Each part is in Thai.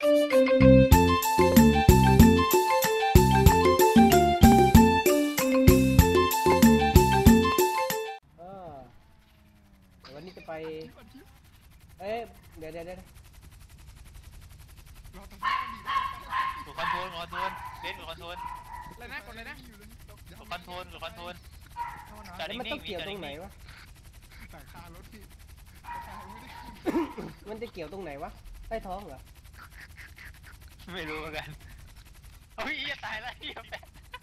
เออวันนี้จะไปเอ๊ะเดี๋ยวกดคอนโทรลเล่นกดคอนโทรลเลยนะกดเลยนะกดคอนโทรลจอดแล้วนิ่มันต้องงๆเกี่ยวตรงไหนวะแต่คารถพี่ไม่ได้มันจะเกี่ยวตรงไหนวะใต้ท้องเหรอไม่รู้เหมือนกันโอ้ยจะตายแล้วเหี้ยแปะ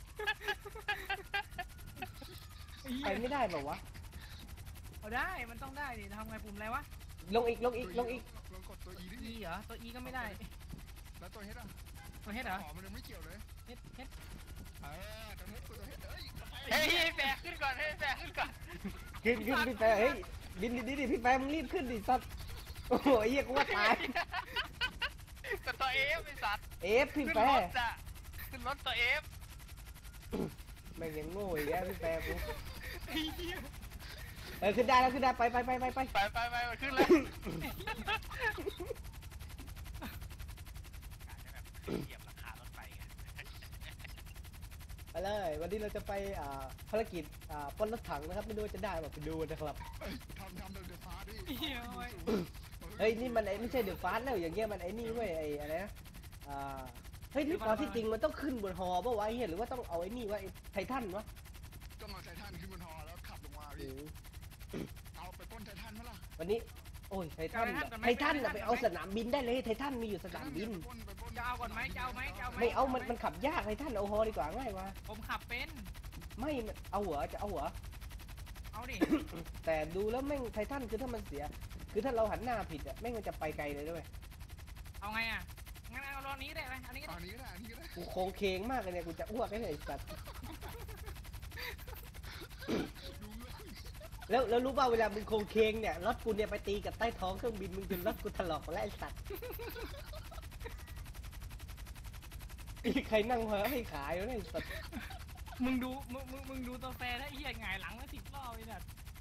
ไปไม่ได้เปล่าวะเอาได้มันต้องได้ดิทำไงปุ่มอะไรวะลงอีกลองกดตัว E ดิ E เหรอตัว E ก็ไม่ได้แล้วตัว H อ่ะตัว H เหรอขอมันยังไม่เกี่ยวเลย H ตัว H ตัว H เฮ้ยแปะขึ้นก่อนขึ้นพี่แปรเฮ้ยบินดิพี่แปรมึงรีบขึ้นดิสัตว์โอ้โหเหี้ยกูว่าตายกดตัวเอฟไอ้สัตว์เอฟพี่ขึ้นแปรรถจ้ะขึ้นรถตัวเอฟแม่งยังโง่อีกแล้วพี่แปรกูขึ้นได้แล้วขึ้นได้ไปไปมันขึ้นแล้วเหยียบราคารถไฟไงไปเลยวันนี้เราจะไปภารกิจปล้นรถถังนะครับไม่รู้ว่าจะได้แบบไปดูนะครับทำเดือดฟ้าดิเฮ้ยนี่มันไม่ใช่เดือดฟ้าแล้วอย่างเงี้ยมันไอ้นี่เว้ยไอ้อะไรนะเฮ้ยนี่ตอนที่จริงมันต้องขึ้นบนฮอป่ะวะไอ้เหี้ยหรือว่าต้องเอาไอ้นี่วะไอ้ไททันวะต้องเอาไททันขึ้นบนฮอแล้วขับลงมาพี่เอาไปป้นไททันมั้ยล่ะวันนี้โอ้ยไททันไปเอาสนามบินได้เลยไททันมีอยู่สนามบินจะเอาก่อนไหมจะเอาไหมไม่เอามันขับยากไททันเอาฮอดีกว่าง่ายวะผมขับเป็นไม่เอาเหรอจะเอาเหรอเอาดิแต่ดูแล้วแม่งไททันคือถ้ามันเสียคือถ้าเราหันหน้าผิดอะแม่งมันจะไปไกลเลยด้วยเอาไงอ่ะงั้นเอารอบนี้ได้ไหมอันนี้ก็อัได้นนี้ก็ได้อันนี้ก็ได้กูโคงเคงมากเลยเนี่ยกูจะอ้วกเลยไอ้สัตว์แล้วรู้ป่าวเวลามึงโคงเคงเนี่ยรถกูเนี่ยไปตีกับใต้ท้องเครื่องบินมึงจนรถกูถลอกหมดแล้วไอ้สัตว์มีใครนั่งเหอให้ขายแล้วไอ้สัตว์มึงดูตัวแฟร์ถ้าเหี้ยหงายหลังแล้ว10 รอบเลยนะ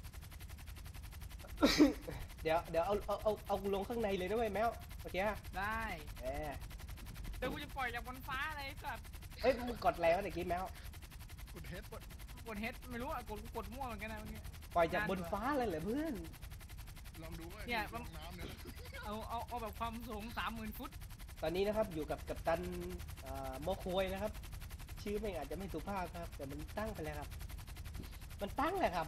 เดี๋ยวเอากูลงข้างในเลยนะเว้ยแมวโอเคฮะได้เเดี๋ยวกูจะปล่อยจากบนฟ้าอะไรสัตว์เฮ้ยมึงกดอะไรวะตะกี้แมวกด H กดเฮดไม่รู้อ่ะกดมั่วเหมือนกันนะเมื่อกี้ปล่อยจากบนฟ้าเลยเหรอเพื่อนลองดูว่าลงน้ำเนี่ยเอาแบบความสูง30,000 ฟุตตอนนี้นะครับอยู่กับกัปตันโมโคยนะครับชื่อไม่งอาจจะไม่สุภาพครับแต่มันตั้งไปแล้วครับมันตั้งเลยครับ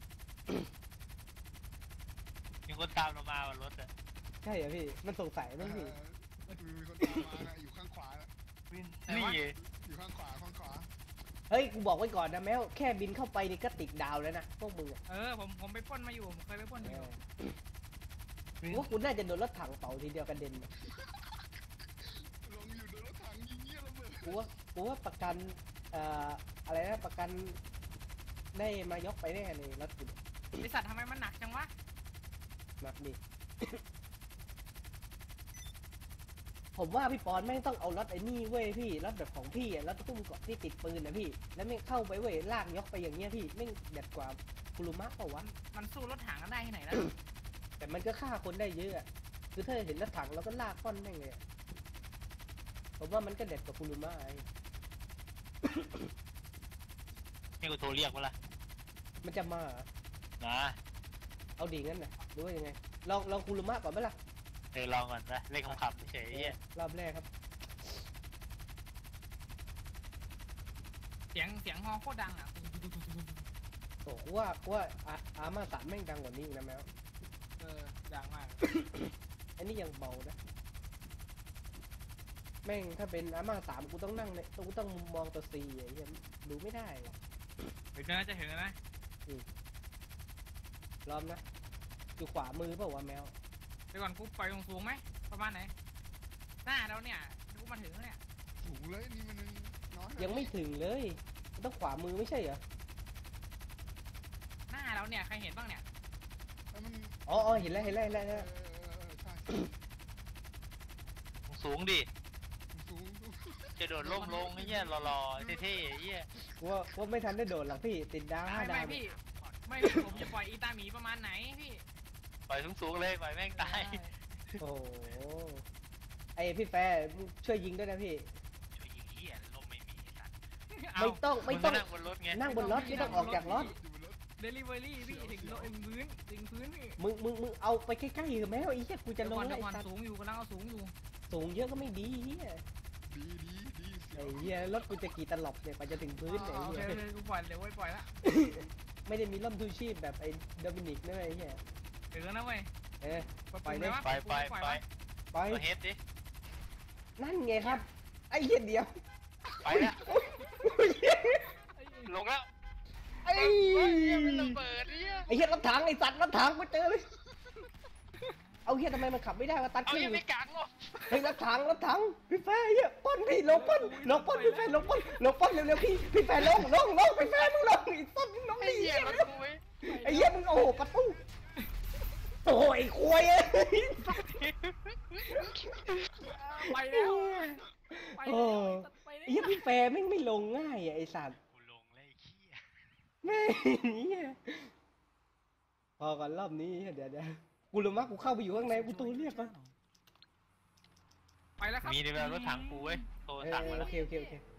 มีคนตามเรามาบนรถอ่ะใช่เหรอพี่มันสงสัยไหมพี่มีคนตามมาอยู่ข้างขวานี่อยู่ข้างขวาเฮ้ยกูบอกไว้ก่อนนะแมวแค่บินเข้าไปนี่ก็ติดดาวแล้วนะพวกมึงอะผมไปปล้นมาอยู่ผมเคยไปปล้นอยู่กูว่ากูน่าจะโดนรถถังเป่าทีเดียวกระเด็นลงอยู่โดนรถถังยิงเงี้ยระเบิดกูว่าประกันอะไรนะประกันได้มายกไปแน่เลยรถกูไอสัตว์ทำไมมันหนักจังวะหนักดิ ผมว่าพี่ปอนแม่งต้องเอารถไอ้นี่เว้ยพี่รถแบบของพี่อะรถตุ้มเกาะที่ติดปืนนะพี่แล้วแม่งเข้าไปเว้ยลากยกไปอย่างเงี้ยพี่แม่งเด็ดกว่าคุรุมะเปล่าวะมันสู้รถถังกันได้ที่ไหนล่ะแต่มันก็ฆ่าคนได้เยอะอะคือถ้าเห็นรถถังเราก็ลากป้อนแม่งเลยอะผมว่ามันก็เด็ดกว่าคุรุมะไอ้นี่กูโทรเรียกมาละมันจะมาเหรอนะเอาดีงั้นนะหรือว่ายังไงลองคุรุมะก่อนไหมล่ะลองก่อนนะเล่นคำๆเฉยๆรอบแรกครับเสียงฮอโคตรดังอ่ะโอ้ว่าอาม่าสามแม่งดังกว่านี้อีกนะแมวดังมากอันนี้ยังเบานะแม่งถ้าเป็นอาม่าสามกูต้องนั่งในกูต้องมองตัวซีไอ้เหี้ยดูไม่ได้ว่ะเดี๋ยวน่าจะถึงนะรอบนะอยู่ขวามือเปล่าวะแมวเดี๋ยวก่อนกูปล่อยสูงไหมประมาณไหนหน้าแล้วเนี่ยกูมาถึงแล้วเนี่ยสูงเลยนี่มันน้อยยังไม่ถึงเลยมันต้องขวามือไม่ใช่เหรอหน้าแล้วเนี่ยใครเห็นบ้างเนี่ยอ๋อเห็นแล้วสูงดิสูงจะโดดล่มลงไอ้เหี้ยรอๆเท่ๆไอ้เหี้ยว่าไม่ทันได้โดดหรอกพี่ติดดาว5 ดาวไม่ผมจะปล่อยอีตาหมีประมาณไหนพี่ปล่อยสูงๆเลยปล่อยแม่งตายโอ้โหไอพี่แฟร์มึงช่วยยิงด้วยนะพี่ช่วยยิงเหี้ยลมไม่มีไอ้สัตว์ไม่ต้องไม่ต้องงก็นั่งบนรถไงนั่งบนรถไม่ต้องออกจากรถอยู่บนรถเดลิเวอรี่พี่ถึงรถพื้นถึงพื้นพี่มึงเอาไปใกล้ๆเถอะแม่ไอ้เหี้ยกูจะลงเดี๋แล้วยวก่อนไอ้สัตว์สูงอยู่กำลังเอาสูงอยู่สูงเยอะก็ไม่ดีเหี้ยดีเสีไอ้ยวเหี้ยรถกูจะกี่ตลบเนี่ยกว่าจะถึงพื้นเนี่ยโอไอ้เคเหี้ยกูปล่อยเดี๋ยวไว้ปล่อยละไม่ได้มีร่มชูชีพแบบไอ้โดมินิกนะไอ้เหี้ยเดี๋ยวนะเว้ยเออไปเลยไปไปไปไปตัวเฮดดินั่นไงครับไอ้เหี้ยเดียวไปแล้วลงแล้วไอ้เฮ้ยมันระเบิดเนี่ยไอ้เหี้ยรถถังไอ้สัตว์รถถังมาเจอเลยเอาเหี้ยทำไมมันขับไม่ได้วะตัดเอาขึ้นยังไม่กลางหรอเฮ้ยรถถังพี่แฟร์เหี้ยป้อนพี่ลงป้อนพี่แฟร์ลงป้อนเร็วๆพี่แฟร์ลงพี่แฟร์มึงลงไอ้สัตว์มึงลงไอ้ดิเหี้ยเหี้ยรถกูไว้ไอ้เหี้ยมึงโอ้โหประตูโอ้ยควยเอ้ยไปแล้วไปโอ้แล้วไปไอ้เหี้ยพี่แฟร์แม่งไม่ลงง่ายอะไอ้สัตว์กูลงเลยไอ้เหี้ยแม่งเหี้ยพอกันรอบนี้เดี๋ยวกูรู้มั้ยกูเข้าไปอยู่ข้างในกูตูเรียกก่อนไปแล้วครับมีในเวลารถถังกูเว้ยโทรเออสั่งมาโอแล้วเค